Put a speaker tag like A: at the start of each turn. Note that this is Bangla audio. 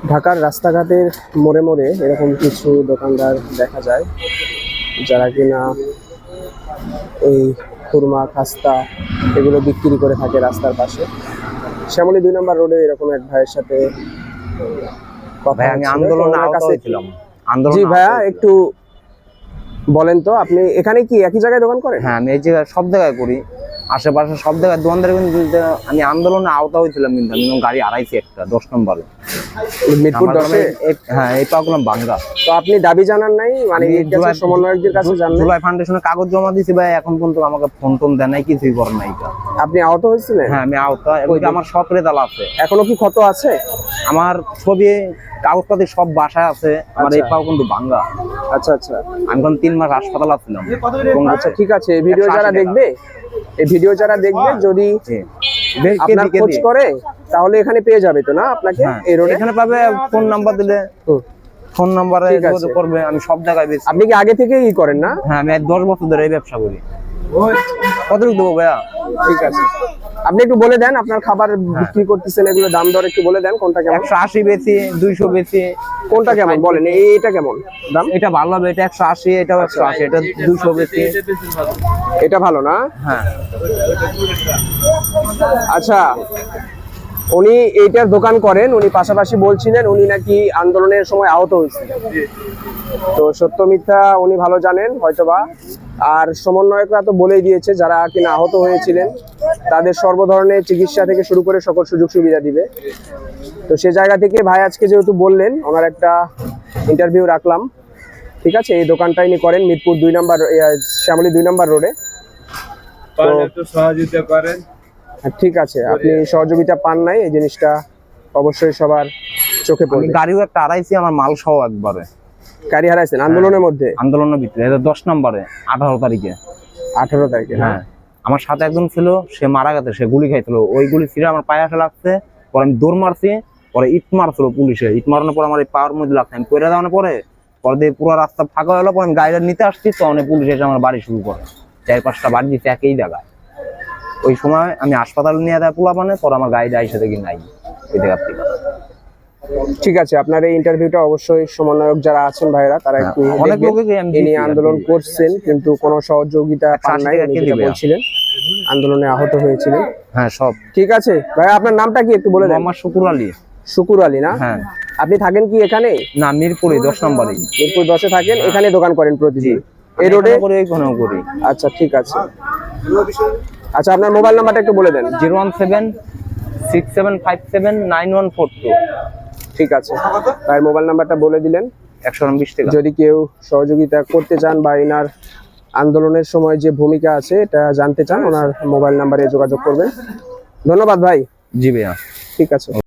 A: ঢাকার রাস্তাঘাটের মোড়ে মোড়ে এরকম কিছু দোকানদার দেখা যায় যারা কিনা এই খুরমা খাস্তা এগুলো বিক্রি করে থাকে রাস্তার পাশে। শ্যামলী 2 নম্বর রোডে এরকম এক ভাইয়ের সাথে কথা
B: আমি আন্দোলনে আহত হয়েছিলাম।
A: জি ভাইয়া, একটু বলেন তো আপনি এখানে কি একই জায়গায় দোকান করেন?
B: হ্যাঁ, আমি এই জায়গায় সব জায়গায় করি, আশেপাশে সব জায়গায় দোকানদার। কিন্তু আমি আন্দোলনে আহত হয়েছিলাম, কিন্তু আমি গাড়ি হারাইছি একটা 10 নম্বরে
A: মিরপুর 10-এ।
B: হ্যাঁ, এই পাগলাম ভাঙ্গা।
A: তো আপনি দাবি জানান নাই, মানে সমন্বয়কদের কাছে জানান?
B: জুলাই ফাউন্ডেশনে কাগজ জমা দিয়েছি ভাই, এখন পর্যন্ত আমাকে ফোন টোন দেয় নাই, কিছুই করে নাই।
A: আপনি আহত হয়েছিলেন?
B: হ্যাঁ, আমি আহত। আমার সব রেজাল্ট আছে।
A: এখনো কি ক্ষত আছে?
B: আমার ছবি কাগজপাতি সব বাসায় আছে। আমার এই পাও কিন্তু ভাঙ্গা।
A: আচ্ছা আচ্ছা,
B: আমি এখন 3 মাস হাসপাতালে ছিলাম।
A: আচ্ছা ঠিক আছে, এই ভিডিও যারা দেখবে যদি আপনার খোঁজ করে তাহলে এখানে পেয়ে যাবে তো না আপনাকে? এই রোডে
B: এখানে পাবে, ফোন নাম্বার দিলে ফোন নাম্বারে যোগাযোগ করবে। আমি সব জায়গায় বেশি।
A: আপনি কি আগে থেকেই করেন না?
B: হ্যাঁ, আমি 10 বছর ধরে এই ব্যবসা করি। কতটুকু দেবো ভাইয়া?
A: ঠিক আছে, আপনি একটু বলে দেন আপনার খাবার বিক্রি করতেছেন, এগুলো দাম দর একটু বলে দেন। কোনটা কেমন?
B: 180 বেশি, 200 বেশি।
A: কোনটা কেমন বলেন? এটা কেমন দাম?
B: এটা ভালো হবে, এটা 180, এটাও 180, এটা 200 বেশি।
A: এটা ভালো না?
B: হ্যাঁ।
A: আচ্ছা, উনি এইটার দোকান করেন, উনি পাশাপাশি বলছিলেন উনি নাকি আন্দোলনের সময় আহত হয়েছিলেন। তো সত্য মিথ্যা উনি ভালো জানেন হয়তোবা। আর সমন্বয়করা তো বলেই দিয়েছে যারা কিনা আহত হয়েছিলেন তাদের সর্ব ধরনের চিকিৎসা থেকে শুরু করে সকল সুযোগ সুবিধা দিবে। তো সে জায়গা থেকে ভাই আজকে যেহেতু বললেন, ওনার একটা ইন্টারভিউ রাখলাম। ঠিক আছে, এই দোকানটা ইনি করেন মিরপুর 2 নম্বর, শ্যামলী 2 নম্বর রোডে।
C: সহযোগিতা করেন।
A: ঠিক আছে, আপনি সহযোগিতা পান নাই, এই জিনিসটা অবশ্যই সবার চোখে পড়ে।
B: গাড়িও একটা হারাইছি, আমার মাল সহ একবারে।
A: গাড়ি হারাইছেন আন্দোলনের মধ্যে?
B: আন্দোলনের ভিতরে, এটা 10 নম্বরে 18 তারিখে।
A: 18 তারিখে?
B: হ্যাঁ, আমার সাথে একজন ছিল, সে মারা গেছে, সে গুলি খাইছিল। ওই গুলি ছিঁড়ে আমার পায়ে আসে লাগছে। পরে আমি দৌড় মারছি, পরে ইট মারছিল পুলিশে। ইট মারানোর পর আমার এই পাওয়ার মধ্যে লাগছে, আমি পড়ে যাওয়ার পরে দিয়ে পুরো রাস্তা ফাঁকা হলো। পরে আমি গাড়িটা নিতে আসছি, তো অনেক পুলিশ এসে আমার বাড়ি শুরু করে। 4-5টা বাড়ি দিচ্ছে একই জায়গায়। ওই সময় আমি হাসপাতালে নিয়ে দেয় পোলাপানে, পরে আমার গাড়িটা এসে দেখি নাই ওই জায়গার থেকে।
A: ঠিক আছে, আপনার এই ইন্টারভিউটা অবশ্যই সমন্বয়ক যারা আছেন ভাইরা তারা একটু
B: অনেক লোকে
A: ইনি আন্দোলন করছেন কিন্তু কোনো সহযোগিতা পান নাই, বলছিলেন আন্দোলনে আহত হয়েছিলেন।
B: হ্যাঁ, সব
A: ঠিক আছে ভাই, আপনার নামটা কি একটু বলে দেন?
B: আমার শুকুর আলী।
A: শুকুর আলী না?
B: হ্যাঁ।
A: আপনি থাকেন কি এখানে?
B: না, মিরপুরে 10 নম্বরে।
A: মিরপুর 10-এ থাকেন, এখানে দোকান করেন প্রতিদিন এই রোডে?
B: করি।
A: আচ্ছা ঠিক আছে। আচ্ছা, আপনার মোবাইল নাম্বারটা একটু বলে দেন।
B: 01767579142।
A: ঠিক আছে, ভাই মোবাইল নাম্বারটা বলে দিলেন।
B: 120 টাকা।
A: যদি কেউ সহযোগিতা করতে চান বা এনার আন্দোলনের সময় যে ভূমিকা আছে এটা জানতে চান, ওনার মোবাইল নাম্বারে যোগাযোগ করবেন। ধন্যবাদ ভাই।
B: জি ভাইয়া।
A: ঠিক আছে।